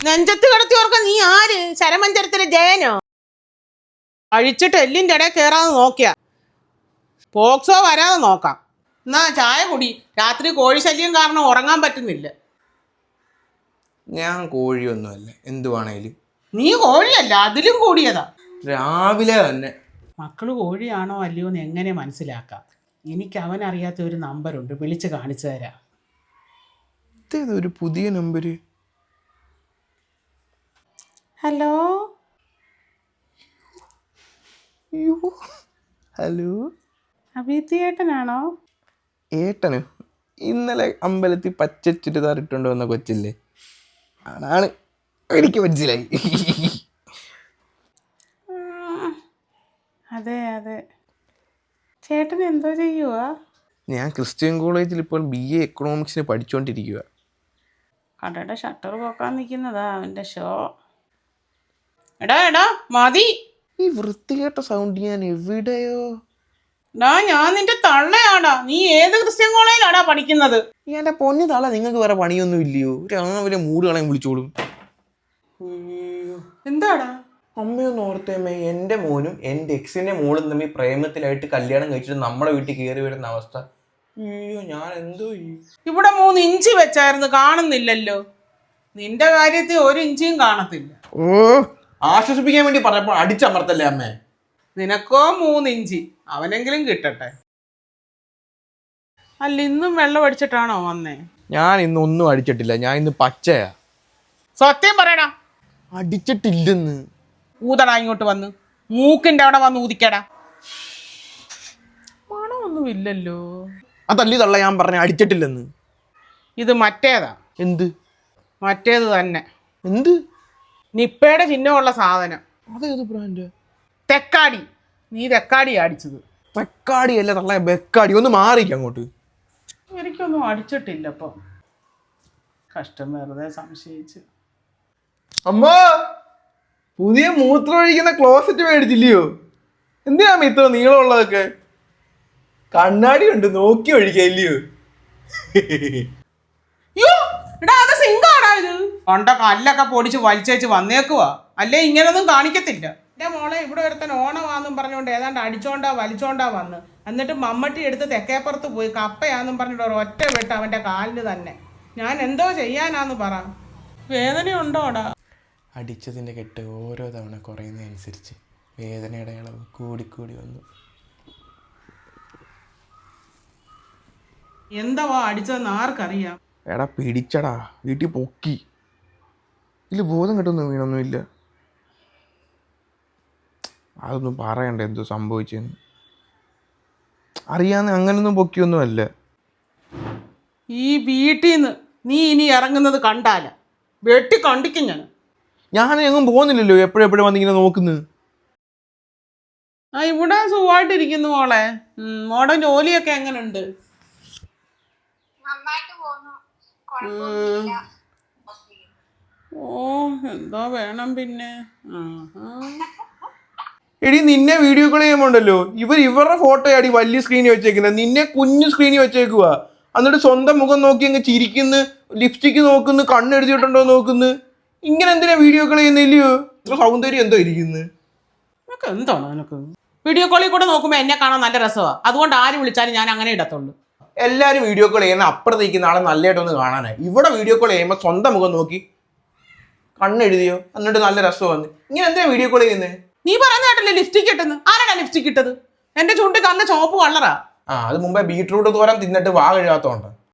നെഞ്ചത്ത് കിടത്തി ഓർക്ക നീ ആര്? ശരമഞ്ചരത്തിലെ ജയനോ? അഴിച്ചിട്ട് എല്ലിൻ്റെ ഇടയിൽ കയറാതെ നോക്കിയ പോക്സോ വരാതെ നോക്കാം. എന്നാ ചായ കുടി. രാത്രി കോഴി ശല്യം കാരണം ഉറങ്ങാൻ പറ്റുന്നില്ല. ഞാൻ കോഴിയൊന്നുമല്ല, എന്തുവാണേലും. നീ കോഴിയല്ല, അതിലും കൂടിയതാ. രാവിലെ തന്നെ മക്കള് കോഴിയാണോ അല്ലയോ എന്ന് എങ്ങനെ മനസ്സിലാക്കാം? എനിക്ക് അവനറിയാത്ത ഒരു നമ്പറുണ്ട്, വിളിച്ച് കാണിച്ചു തരാം. ഇതേതൊരു പുതിയ നമ്പര്? ഹലോ ഹലോ, അഭിത്തി ഏട്ടനാണോ? ഏട്ടന് ഇന്നലെ അമ്പലത്തിൽ പച്ച ചുരിദാർ ഇട്ടുകൊണ്ട് വന്ന കൊച്ചില്ലേ, ആണാണ്. എനിക്ക് മനസ്സിലായി. അതെ അതെ. ചേട്ടൻ എന്തോ ചെയ്യുക? ഞാൻ ക്രിസ്ത്യൻ കോളേജിൽ ഇപ്പോൾ BA എക്കണോമിക്സിന് പഠിച്ചുകൊണ്ടിരിക്കുക. കടയുടെ ഷട്ടർ പോക്കാൻ നിൽക്കുന്നതാ അവൻ്റെ ഷോ. എടാ എടാ മതി. ഈ വൃത്തികെട്ട സൗണ്ട് ഞാൻ എവിടെയോ. ഞാൻ നിന്റെ തള്ളയാടാ. നീ ഏത് ക്രിസ്ത്യൻ കോളേജിലാടാ പഠിക്കുന്നത്? എൻ്റെ പൊന്നു തള്ള, നിങ്ങൾക്ക് വേറെ പണിയൊന്നും ഇല്ലയോ? രാവിലെ മൂട് കളയാൻ വിളിച്ചോളും. എന്താടാ? അമ്മയൊന്ന് ഓർത്തേമ്മേ, എൻ്റെ മോനും എൻ്റെ എക്സിൻ്റെ മോളും തമ്മിൽ പ്രേമത്തിലായിട്ട് കല്യാണം കഴിച്ചിട്ട് നമ്മുടെ വീട്ടിൽ കയറി വരുന്ന അവസ്ഥ. അയ്യോ, ഞാൻ എന്തോ ഇവിടെ 3 ഇഞ്ച് വെച്ചായിരുന്നു, കാണുന്നില്ലല്ലോ. നിന്റെ കാര്യത്തിൽ 1 ഇഞ്ചും കാണത്തില്ല. ഓ, ആശ്വസിപ്പിക്കാൻ വേണ്ടി പറഞ്ഞപ്പോൾ അടിച്ചമർത്തല്ലേ അമ്മേ. നിനക്കോ 3 ഇഞ്ച്, അവനെങ്കിലും കിട്ടട്ടെ. അല്ല, ഇന്നും വെള്ളം അടിച്ചിട്ടാണോ വന്നേ? ഞാൻ ഇന്ന് ഒന്നും അടിച്ചിട്ടില്ല, ഞാൻ ഇന്ന് പച്ചയാ. സത്യം പറയടാ. അടിച്ചിട്ടില്ലെന്ന്. ഊതടാ, ഇങ്ങോട്ട് വന്ന് മൂക്കിന്റെ അവിടെ വന്ന് ഊതിക്കടാ. മണമൊന്നും ഇല്ലല്ലോ. അതല്ലി തള്ള, ഞാൻ പറഞ്ഞ അടിച്ചിട്ടില്ലെന്ന്. ഇത് മറ്റേതാ. എന്ത്? മറ്റേത് തന്നെ. എന്ത്? നിപ്പയുടെ ചിഹ്നമുള്ള സാധനം. അതേത് ബ്രാൻഡ്? തെക്കാടി. നീ തെക്കാടി അടിച്ചത്. തെക്കാടി അല്ല തള്ള, ബെക്കാടി. ഒന്ന് മാറിക്ക അങ്ങോട്ട്. എനിക്കൊന്നും അടിച്ചിട്ടില്ല. അപ്പം കഷ്ടം, വെറുതെ സംശയിച്ച്. അമ്മ, പുതിയ മൂത്രം ഒഴിക്കുന്ന ക്ലോസറ്റ് മേടിച്ചില്ലയോ? എന്തിനാ ഇത്ര നീളമുള്ളതൊക്കെ? കണ്ണാടി ഉണ്ട്, നോക്കി ഒഴിക്കല്ലയോ? കൊണ്ട കല്ലൊക്കെ പൊടിച്ച് വലിച്ചേച്ച് വന്നേക്കുവാ. അല്ലേ ഇങ്ങനൊന്നും കാണിക്കത്തില്ല. എൻ്റെ മോളെ ഇവിടെ ഒരുത്തൻ ഓണമാന്നും പറഞ്ഞുകൊണ്ട് ഏതാണ്ട് അടിച്ചോണ്ടാ വലിച്ചോണ്ടാ വന്ന്. എന്നിട്ട് മമ്മട്ടി എടുത്ത് തെക്കേപ്പുറത്ത് പോയി കപ്പയാന്നും പറഞ്ഞിട്ട് ഒറ്റ വെട്ട് അവൻ്റെ കാലിന് തന്നെ. ഞാൻ എന്തോ ചെയ്യാനാന്ന് പറ. വേദനയുണ്ടോടാ? അടിച്ചതിൻ്റെ കെട്ട് ഓരോ തവണ കുറയുന്നതനുസരിച്ച് വേദനയുടെ അളവ് കൂടിക്കൂടി വന്നു. എന്താവാ അടിച്ചതെന്ന് ആർക്കറിയാം? എടാ പിടിച്ചടാ, വീട്ടിൽ പൊക്കി. ഇതിൽ ബോധം കിട്ടുന്നു വീണൊന്നുമില്ല. അതൊന്നും പറയണ്ട എന്തോ സംഭവിച്ചെന്ന്. അറിയാന്ന് അങ്ങനൊന്നും പൊക്കിയൊന്നും അല്ല. ഈ വീട്ടിൽ നിന്ന് നീ ഇനി ഇറങ്ങുന്നത് കണ്ടാല വെട്ടി കണ്ടിക്കും ഞാൻ എങ്ങും പോകുന്നില്ലല്ലോ, എപ്പോഴെപ്പോഴും വന്നിങ്ങനെ നോക്കുന്നത്. ഇവിടെ സുഖമായിട്ടിരിക്കുന്നു മോളെ. മോടെ ജോലിയൊക്കെ എങ്ങനെയുണ്ട്? ഓ, എന്തോ വേണം പിന്നെ. എടി, നിന്നെ വീഡിയോ കോൾ ചെയ്യുമ്പോണ്ടല്ലോ ഇവരുടെ ഫോട്ടോ ആടി വലിയ സ്ക്രീനിൽ വെച്ചേക്കുന്നത്, നിന്നെ കുഞ്ഞു സ്ക്രീനിൽ വെച്ചേക്കുക. എന്നിട്ട് സ്വന്തം മുഖം നോക്കി അങ്ങ് ചിരിക്കുന്നു, ലിപ്സ്റ്റിക്ക് നോക്കുന്നു, കണ്ണെഴുതിയിട്ടുണ്ടോ നോക്കുന്നു. ഇങ്ങനെ എന്തിനാ വീഡിയോ കോൾ ചെയ്യുന്നില്ലയോ? ഇത്ര സൗന്ദര്യം എന്തോ ഇരിക്കുന്നു. നിനക്ക് എന്താണ്? നിനക്ക് വീഡിയോ കോളിൽ കൂടെ നോക്കുമ്പോൾ എന്നെ കാണാൻ നല്ല രസമാണ്. അതുകൊണ്ട് ആര് വിളിച്ചാലും ഞാൻ അങ്ങനെ ഇടത്തുള്ളൂ. എല്ലാവരും വീഡിയോ കോൾ ചെയ്യുന്ന അപ്പുറത്തേക്കുന്ന ആളെ നല്ലതായിട്ടൊന്ന് കാണാനായി. ഇവിടെ വീഡിയോ കോൾ ചെയ്യുമ്പോൾ സ്വന്തം മുഖം നോക്കി കണ്ണെഴുതിയോ എന്നിട്ട് നല്ല രസമാണ്. ഇങ്ങനെ എന്തിനാ വീഡിയോ കോൾ ചെയ്യുന്നത്? നീ പറയുന്ന കേട്ടല്ലേ ലിപ്സ്റ്റിക് ഇട്ടെന്ന്? ആരാടാ ലിപ്സ്റ്റിക് ഇട്ടത്? എന്റെ ചുണ്ട് കണ്ണ് ചുവപ്പ് കളറാ. അത് മുമ്പേ ബീട്രൂട്ട് തോരൻ തിന്നിട്ട് വാ കഴുകാത്തോണ്ട്.